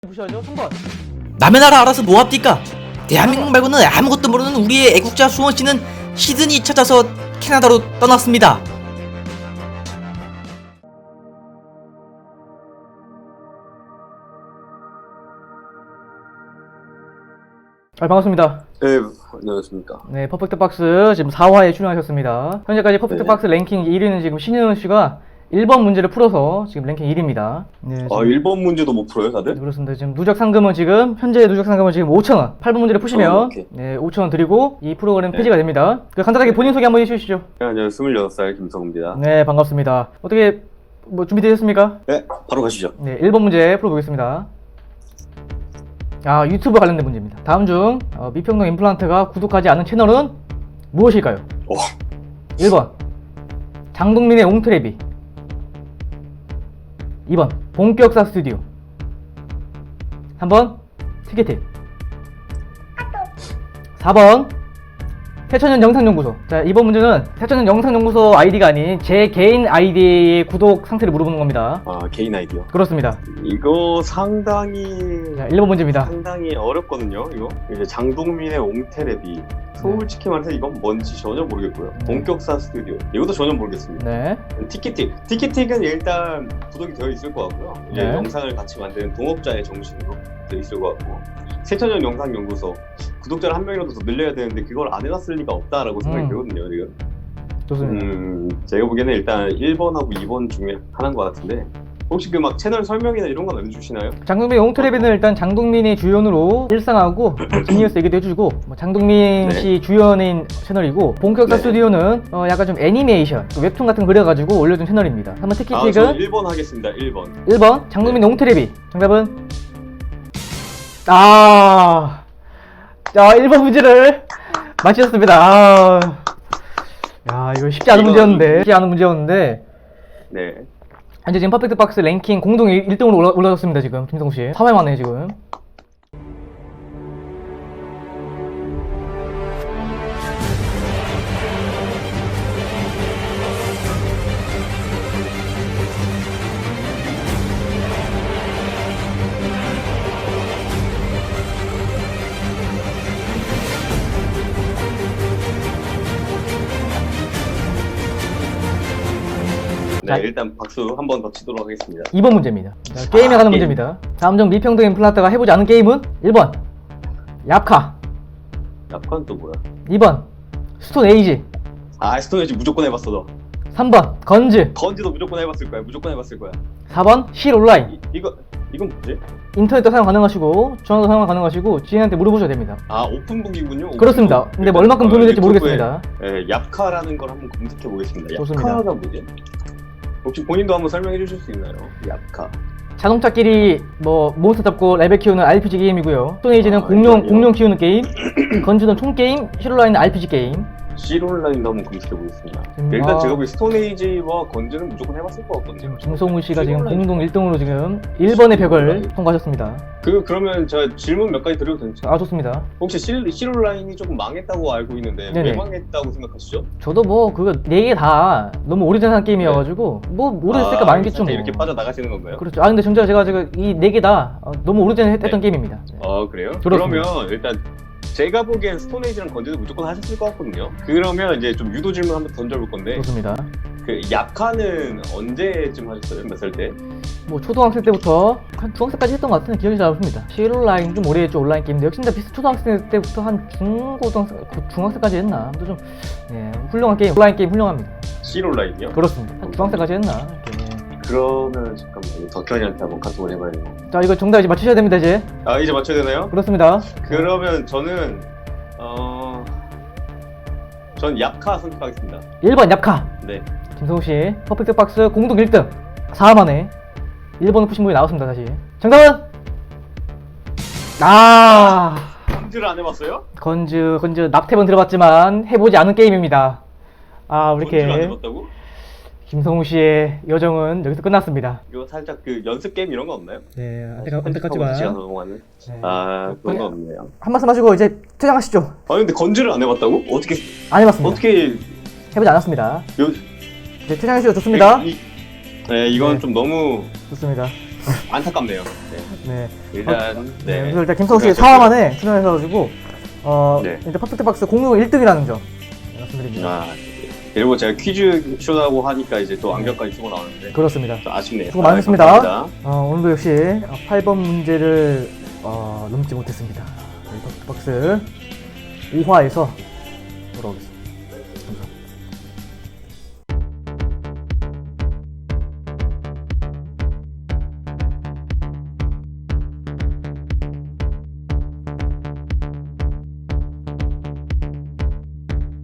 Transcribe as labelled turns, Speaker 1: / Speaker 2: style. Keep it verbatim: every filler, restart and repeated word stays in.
Speaker 1: 무시하죠? 삼 번.
Speaker 2: 남의 나라 알아서 뭐합니까? 대한민국 말고는 아무것도 모르는 우리의 애국자 수원씨는 시드니 찾아서 캐나다로 떠났습니다.
Speaker 1: 아, 반갑습니다.
Speaker 3: 네, 안녕하십니까.
Speaker 1: 네, 퍼펙트 박스 지금 사 화에 출연하셨습니다. 현재까지 퍼펙트
Speaker 3: 네.
Speaker 1: 박스 랭킹 일 위는 지금 신현우 씨가 일 번 문제를 풀어서 지금 랭킹 일 위입니다. 네,
Speaker 3: 아,
Speaker 1: 지금-
Speaker 3: 일 번 문제도 못 풀어요,
Speaker 1: 네,
Speaker 3: 다들?
Speaker 1: 그렇습니다. 지금 누적 상금은 지금 현재 누적 상금은 지금 오천 원. 팔 번 문제를 푸시면
Speaker 3: 어, 오케이.
Speaker 1: 네, 오천 원 드리고 이 프로그램
Speaker 3: 네.
Speaker 1: 폐지가 됩니다. 그 간단하게 본인 소개 한번 해주시죠.
Speaker 3: 네, 안녕하세요. 스물여섯 살 김성우입니다.
Speaker 1: 네, 반갑습니다. 어떻게 뭐 준비되셨습니까?
Speaker 3: 네, 바로 가시죠.
Speaker 1: 네, 일 번 문제 풀어보겠습니다. 아, 유튜브 관련된 문제입니다. 다음 중 어, 미평동 임플란트가 구독하지 않은 채널은 무엇일까요?
Speaker 3: 오.
Speaker 1: 일 번 장동민의 옹트레비, 이 번 본격사 스튜디오, 삼 번 티켓팅, 사 번 태천년 영상연구소. 자, 이번 문제는 태천년 영상연구소 아이디가 아닌 제 개인 아이디의 구독 상태를 물어보는 겁니다.
Speaker 3: 아, 개인 아이디어.
Speaker 1: 그렇습니다.
Speaker 3: 이거 상당히,
Speaker 1: 자, 일 번 문제입니다.
Speaker 3: 상당히 어렵거든요, 이거. 이제 장동민의 옹테레비. 솔직히 말해서 이건 뭔지 전혀 모르겠고요.
Speaker 1: 네.
Speaker 3: 본격사 스튜디오. 이것도 전혀 모르겠습니다.
Speaker 1: 네.
Speaker 3: 티켓틱. 티켓틱은 일단 구독이 되어 있을 것 같고요. 이제
Speaker 1: 네.
Speaker 3: 영상을 같이 만드는 동업자의 정신으로 되어 있을 것 같고. 세천년 영상연구소. 구독자를 한 명이라도 더 늘려야 되는데 그걸 안 해놨을 리가 없다라고 생각이
Speaker 1: 음.
Speaker 3: 들거든요, 지금.
Speaker 1: 좋습니다.
Speaker 3: 음, 제가 보기에는 일단 일 번하고 이 번 중에 하나인 것 같은데 혹시 그 막 채널 설명이나 이런 건 알려주시나요?
Speaker 1: 장동민 옹트레비는 일단 장동민이 주연으로 일상하고 지니어스 얘기도 해주고 뭐 장동민
Speaker 3: 네.
Speaker 1: 씨 주연인 채널이고, 본격사
Speaker 3: 네.
Speaker 1: 스튜디오는 어 약간 좀 애니메이션 그 웹툰 같은 거 그려가지고 올려준 채널입니다. 한번
Speaker 3: 아,
Speaker 1: 티켓틱은
Speaker 3: 저는 일 번 하겠습니다. 일 번.
Speaker 1: 일 번 장동민 옹트레비. 정답은 아, 자, 일 번 문제를 맞히셨습니다. 아, 야, 이거 쉽지 않은
Speaker 3: 이건-
Speaker 1: 문제였는데 쉽지 않은 문제였는데
Speaker 3: 네.
Speaker 1: 현재 지금 퍼펙트 박스 랭킹 공동 일 등으로 올라, 올라졌습니다. 지금 김성우 씨 사 회 만에 지금.
Speaker 3: 네,
Speaker 1: 자.
Speaker 3: 일단 박수 한 번 더 치도록 하겠습니다.
Speaker 1: 이 번 문제입니다. 자, 게임에
Speaker 3: 아,
Speaker 1: 관한
Speaker 3: 게임.
Speaker 1: 문제입니다. 다음 중 미평동 임플란트가 해보지 않은 게임은 일 번 야카,
Speaker 3: 약간 또 뭐야?
Speaker 1: 이 번 스톤 에이지,
Speaker 3: 아, 스톤에지 무조건 해봤어 너.
Speaker 1: 삼 번 건즈,
Speaker 3: 건지도 무조건 해봤을 거야. 무조건 해봤을 거야.
Speaker 1: 사 번 실 온라인.
Speaker 3: 이, 이거 이건 뭐지?
Speaker 1: 인터넷도 사용 가능하시고 전화도 사용 가능하시고 지인한테 물어보셔야 됩니다.
Speaker 3: 아, 오픈북이군요.
Speaker 1: 그렇습니다.
Speaker 3: 오픈북.
Speaker 1: 근데 뭐 얼마큼 도움이 될지
Speaker 3: 유튜브에,
Speaker 1: 모르겠습니다.
Speaker 3: 예, 얍카라는 걸 한번 검색해 보겠습니다.
Speaker 1: 좋습니다.
Speaker 3: 얍카가 뭐지? 혹시 본인도 한번 설명해 주실 수 있나요? 얍카.
Speaker 1: 자동차끼리 뭐 몬스터 잡고 레벨 키우는 알피지 게임이고요. 스톤 에이지는
Speaker 3: 아,
Speaker 1: 공룡
Speaker 3: 알겠군요.
Speaker 1: 공룡 키우는 게임, 건즈는 총 게임, 실 온라인은 알피지 게임.
Speaker 3: 실온라인도 한번 검색해 보겠습니다.
Speaker 1: 음,
Speaker 3: 일단
Speaker 1: 아.
Speaker 3: 제가 보기 스톤에이지와 건즈는 무조건 해봤을 것 같거든요.
Speaker 1: 김성우 씨가 지금
Speaker 3: 실온라인.
Speaker 1: 공동 일 등으로 지금 일 번의 벽을
Speaker 3: 실온라인.
Speaker 1: 통과하셨습니다.
Speaker 3: 그 그러면 제가 질문 몇 가지 드려도 괜찮아요?
Speaker 1: 아, 좋습니다.
Speaker 3: 혹시 실 실온라인이 조금 망했다고 알고 있는데
Speaker 1: 네네.
Speaker 3: 왜 망했다고 생각하시죠?
Speaker 1: 저도 뭐 그거 네 개 다 너무 오래된 게임이어가지고 뭐 오래됐으니까 망했겠죠 뭐.
Speaker 3: 아, 이렇게 빠져 나가시는 건가요?
Speaker 1: 그렇죠. 아, 근데 진짜 제가 지금 이 네 개 다 너무 오래전에 했- 했던
Speaker 3: 네.
Speaker 1: 게임입니다.
Speaker 3: 아, 그래요?
Speaker 1: 그렇습니다.
Speaker 3: 그러면 일단 제가 보기엔 스톤에이지랑 건즈도 무조건 하셨을 것 같거든요. 그러면 이제 좀 유도 질문 한번 던져볼 건데
Speaker 1: 좋습니다.
Speaker 3: 그 약카는 언제쯤 하셨어요? 몇 살 때?
Speaker 1: 뭐 초등학생 때부터 한 중학생까지 했던 것 같은데 기억이 잘 안 납니다. 실 온라인 좀 오래 했죠. 온라인 게임인데 역시 나 비슷 초등학생 때부터 한 중고등학생, 고- 중학생까지 했나? 아무튼 좀 예, 훌륭한 게임, 온라인 게임 훌륭합니다.
Speaker 3: 실온라인이요?
Speaker 1: 그렇습니다. 한 중학생까지 했나? 이렇게.
Speaker 3: 그러면 잠깐만요. 덕현이한테 한번 카톡을 해봐야겠네.
Speaker 1: 자, 이거 정답 이제 맞추셔야 됩니다 이제.
Speaker 3: 아, 이제 맞춰야 되나요?
Speaker 1: 그렇습니다.
Speaker 3: 그러면 저는 어... 전 얍카 선택하겠습니다.
Speaker 1: 일 번 얍카.
Speaker 3: 네.
Speaker 1: 김성우 씨 퍼펙트 박스 공동 일 등. 사 화 만에 일 번을 푸신 분이 나왔습니다 다시. 정답은 아,
Speaker 3: 건즈를 안 해봤어요?
Speaker 1: 건즈 건즈 납태번 들어봤지만 해보지 않은 게임입니다. 아,
Speaker 3: 건즈를 안
Speaker 1: 이렇게
Speaker 3: 해봤다고?
Speaker 1: 김성우 씨의 여정은 여기서 끝났습니다.
Speaker 3: 이거 살짝 그 연습 게임 이런 거 없나요?
Speaker 1: 네,
Speaker 3: 어, 편집하고 시간 넘어가는?
Speaker 1: 네.
Speaker 3: 아, 그런 거 없네요.
Speaker 1: 한 말씀 하시고 이제 퇴장하시죠.
Speaker 3: 아, 근데 건즈를 안 해봤다고? 어떻게
Speaker 1: 안 해봤습니다.
Speaker 3: 어떻게
Speaker 1: 해보지 않았습니다.
Speaker 3: 요
Speaker 1: 이제 퇴장하시죠. 좋습니다.
Speaker 3: 이, 이, 네, 이건
Speaker 1: 네.
Speaker 3: 좀 너무
Speaker 1: 좋습니다.
Speaker 3: 안타깝네요. 네.
Speaker 1: 네.
Speaker 3: 일단
Speaker 1: 네.
Speaker 3: 네.
Speaker 1: 그래서 일단 김성우 씨
Speaker 3: 고생하셨고요.
Speaker 1: 사 화 만에 출연해서가지고 어
Speaker 3: 네.
Speaker 1: 일단 퍼펙트 박스 공유 일 등이라는 점 말씀드립니다.
Speaker 3: 아, 그리고 제가 퀴즈 쇼라고 하니까 이제 또 안경까지 쓰고 나오는데
Speaker 1: 그렇습니다.
Speaker 3: 좀 아쉽네요.
Speaker 1: 수고 많으셨습니다.
Speaker 3: 아, 감사합니다.
Speaker 1: 어, 오늘도 역시 팔 번 문제를 어, 넘지 못했습니다. 저희 퍼펙트 박스 오 화에서 돌아오겠습니다.